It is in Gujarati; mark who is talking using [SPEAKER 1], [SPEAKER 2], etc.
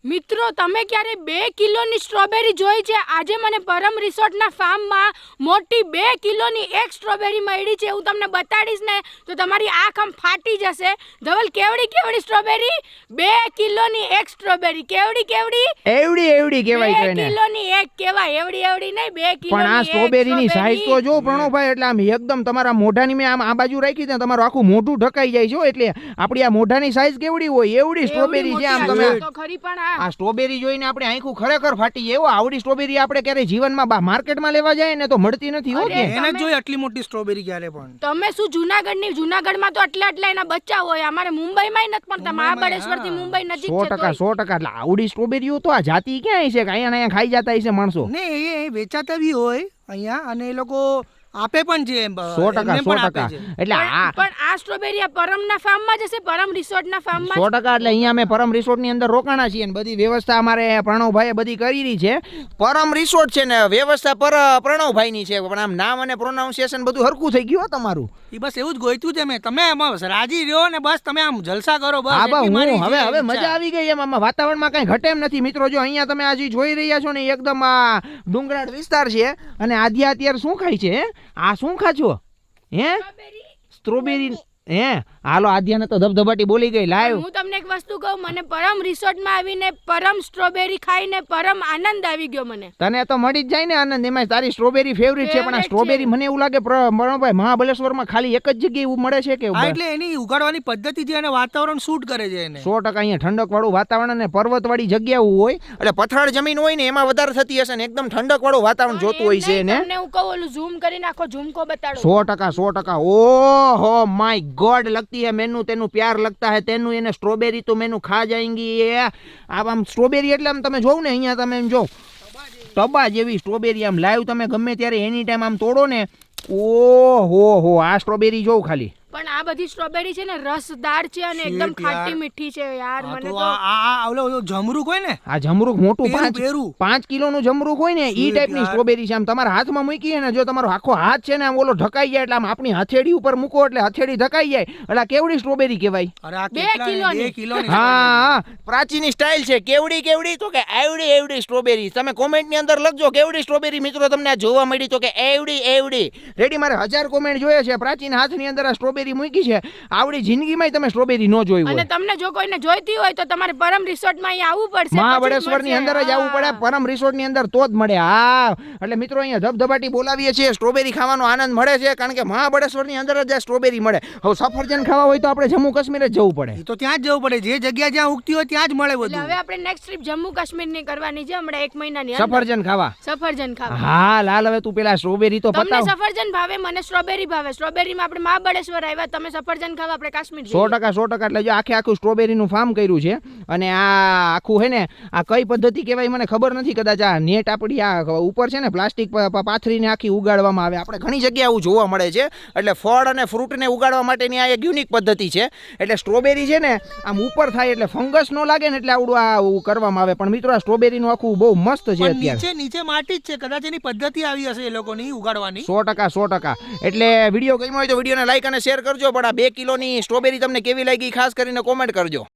[SPEAKER 1] મિત્રો તમે ક્યારે 2 કિલોની સ્ટ્રોબેરી જોઈ છે? આજે મને પરમ રિસોર્ટના ફાર્મમાં મોટી 2 કિલોની એક સ્ટ્રોબેરી મળી છે. હું તમને બતાડીશ ને તો તમારી આંખ આમ ફાટી જશે. ધવલ કેવડી સ્ટ્રોબેરી? 2 કિલોની એક સ્ટ્રોબેરી. કેવડી
[SPEAKER 2] એવડી કહેવાય છે
[SPEAKER 1] 2 કિલોની એક કહેવાય. એવડી નહીં 2 કિલો.
[SPEAKER 2] પણ આ સ્ટ્રોબેરીની સાઈઝ તો જો પ્રણવભાઈ, એટલે આમ એકદમ તમારા મોઢાની મેં આમ આ બાજુ રાખી દે તમારું આખું મોઢું ઢકાઈ જાય છે. એટલે આપણી આ મોઢાની સાઈઝ કેવડી હોય એવડી સ્ટ્રોબેરી છે. આમ તમે
[SPEAKER 1] તો ખરી પણ
[SPEAKER 2] આ સ્ટ્રોબેરી જોઈને આપણે આંખું ખરેખર ફાટી જાય. એવો આવડી સ્ટ્રોબેરી આપણે ક્યારે જીવનમાં માર્કેટમાં લેવા જાય ને તો મળતી નથી. હો કે
[SPEAKER 3] એને જોઈ આટલી મોટી સ્ટ્રોબેરી ક્યારે પણ.
[SPEAKER 1] તમે શું જૂનાગઢમાં તો આટલા એના બચ્ચા હોય. અમારે મુંબઈમાં નથી પણ મહાબળેશ્વર થી મુંબઈ નજીક છે.
[SPEAKER 2] 100% એટલે આવડી સ્ટ્રોબેરીઓ તો આ જાતિ ક્યાં છે કે અહીંયા ખાઈ જતા હશે માણસો?
[SPEAKER 3] ને એ વેચાતા બી હોય અહીંયા અને એ લોકો આપે પણ છે.
[SPEAKER 2] 100% એટલે
[SPEAKER 1] આ સ્ટ્રોબેરી આ પરમના ફાર્મમાં જશે, પરમ રિસોર્ટના ફાર્મમાં
[SPEAKER 2] 100%. એટલે અહીંયા અમે પરમ રિસોર્ટની અંદર રોકાણા છીએ અને બધી વ્યવસ્થા અમારે પ્રણવભાઈએ બધી કરી રહી છે. પરમ રિસોર્ટ છે ને વ્યવસ્થા પ્રણવભાઈની છે, પણ આમ નામ અને પ્રોનાઉન્સિએશન બધું હરખું થઈ ગયું તમારું.
[SPEAKER 3] એ બસ એવું જ ગોઈતું છે મેં. તમે એમાં રાજી રહ્યો ને બસ તમે આમ જલસા કરો બસ.
[SPEAKER 2] હા બા, હું હવે મજા આવી ગઈ એમ. આમાં વાતાવરણમાં કઈ ઘટે એમ નથી. મિત્રો જો અહીંયા તમે આજે જોઈ રહ્યા છો ને એકદમ આ ડુંગરાળ વિસ્તાર છે અને આધ્યા અત્યારે શું ખાય છે? આ શું ખાજો? હે સ્ટ્રોબેરી? હે હાલો આધ્યાને તો ધબધબાટી બોલી ગઈ લાઈવ.
[SPEAKER 1] હું તમને એક વસ્તુ કહું, મને પરમ રિસોર્ટમાં આવીને પરમ સ્ટ્રોબેરી ખાઈને પરમ આનંદ આવી ગયો. મને
[SPEAKER 2] તને તો મળી જ જાય ને આનંદ. એમાં તારી સ્ટ્રોબેરી ફેવરિટ છે. પણ આ સ્ટ્રોબેરી મને એવું લાગે પ્રણવભાઈ મહાબળેશ્વરમાં ખાલી એક જ જગ્યાએ એવું મળે છે કે?
[SPEAKER 3] એટલે એની ઉગાડવાની પદ્ધતિ છે અને વાતાવરણ શૂટ કરે છે એને.
[SPEAKER 2] 100% અહીંયા ઠંડક વાળું વાતાવરણ અને પર્વતવાળી જગ્યા હોય એટલે પથરાળ જમીન હોય ને એમાં વધારે થતી હશે ને એકદમ ઠંડક વાળું વાતાવરણ જોતું હોય છે ને.
[SPEAKER 1] તમને હું કહું ઓલું ઝૂમ કરીને આખો ઝુમકો બતાડો.
[SPEAKER 2] 100%. ઓહો માય ગોડ, लगती है मेनू तेनू प्यार लगता है तेनू એને સ્ટ્રોબેરી તો મેનू ખા જાएंगी. આમ સ્ટ્રોબેરી એટલે આમ તમે જોવ ને અહીંયા તમે એમ જો ટબા જેવી સ્ટ્રોબેરી આમ લાઈવ તમે ગમે ત્યારે એની ટાઈમ આમ તોડો ને. ઓહો આ સ્ટ્રોબેરી જોવ ખાલી.
[SPEAKER 1] પણ આ બધી સ્ટ્રોબેરી છે ને રસદાર છે અને એકદમ ખાટી મીઠી છે યાર. મને તો
[SPEAKER 3] આ ઓલો જમરૂક હોય ને,
[SPEAKER 2] આ જમરૂક મોટું 5 કિલોનું જમરૂક હોય ને ઈ ટાઈપની સ્ટ્રોબેરી છે. આમ તમારા હાથમાં મૂકી ને જો તમારો આખો હાથ છે ને આમ ઓલો ઢકાઈ જાય એટલે આમ આપણી હથેળી ઉપર મૂકો એટલે હથેળી ઢકાઈ જાય એટલે કેવડી સ્ટ્રોબેરી કહેવાય?
[SPEAKER 3] અરે આ 2 કિલોની.
[SPEAKER 2] હા પ્રાચીની સ્ટાઇલ છે. કેવડી તો કે એવડી સ્ટ્રોબેરી. તમે કોમેન્ટ ની અંદર લખજો કેવડી સ્ટ્રોબેરી. મિત્રો તમને આ જોવા મળી તો કે એવડી રેડી. મારે 1000 કોમેન્ટ જોઈએ છે. પ્રાચીન હાથની અંદર આ સ્ટ્રોબેરી મૂકી છે. આવડી જિંદગીમાં તમે સ્ટ્રોબેરી નો જોઈ હોય.
[SPEAKER 1] અને તમને જો કોઈને જોઈતી હોય તો તમારે પરમ રિસોર્ટમાં અહીં આવવું પડશે.
[SPEAKER 2] મહાબળેશ્વર ની અંદર જ આવવું પડે. પરમ રિસોર્ટ ની અંદર તો જ મળે. હા એટલે મિત્રો અહીંયા ધબધબાટી બોલાવીએ છીએ. સ્ટ્રોબેરી ખાવાનો આનંદ મળે છે કારણ કે મહાબળેશ્વર ની અંદર જ સ્ટ્રોબેરી મળે. હવે સફરજન ખાવા હોય તો આપણે જમ્મુ કાશ્મીર જ જવું પડે.
[SPEAKER 3] તો ત્યાં જ જવું પડે. જે જગ્યા જ્યાં ઉગતી હોય ત્યાં જ મળે બધું.
[SPEAKER 1] હવે આપણે નેક્સ્ટ ટ્રીપ જમ્મુ કાશ્મીર ની કરવાની છે હમણાં 1 મહિનાની
[SPEAKER 2] સફરજન ખાવા. હા લાલ હવે તું પેલા સ્ટ્રોબેરી તો
[SPEAKER 1] પતાવ. તમને સફરજન ભાવે, મને સ્ટ્રોબેરી ભાવે. સ્ટ્રોબેરીમાં આપણે મહાબળેશ્વર આવ્યા, તમે સફરજન ખાવા આપણે કાશ્મીર.
[SPEAKER 2] 100% એટલે જો આખું સ્ટ્રોબેરીનું ફાર્મ કર્યું છે અને આ આખું હે ને આ કઈ પદ્ધતિ કહેવાય મને ખબર નથી. કદાચ આ નેટ આપણી આ ઉપર છે ને પ્લાસ્ટિક પાથરીને આખી ઉગાડવામાં આવે. આપણે ઘણી જગ્યાએ આવું જોવા મળે છે. એટલે ફળ અને ફ્રૂટને ઉગાડવા માટેની આ એક યુનિક પદ્ધતિ છે. એટલે સ્ટ્રોબેરી છે ને આમ ઉપર થાય એટલે ફંગસ ન લાગે ને એટલે આવડું આ કરવામાં આવે. પણ મિત્રો આ સ્ટ્રોબેરીનું આખું બહુ મસ્ત છે. અત્યારે
[SPEAKER 3] નીચે માટી જ છે. કદાચ એની પદ્ધતિ આવી હશે એ લોકોની ઉગાડવાની.
[SPEAKER 2] 100%. એટલે વિડીયો ગમ્યો હોય તો વિડીયોને લાઈક અને શેર કરજો. પણ આ 2 કિલોની સ્ટ્રોબેરી તમને કેવી લાગી ખાસ કરીને કોમેન્ટ કરજો.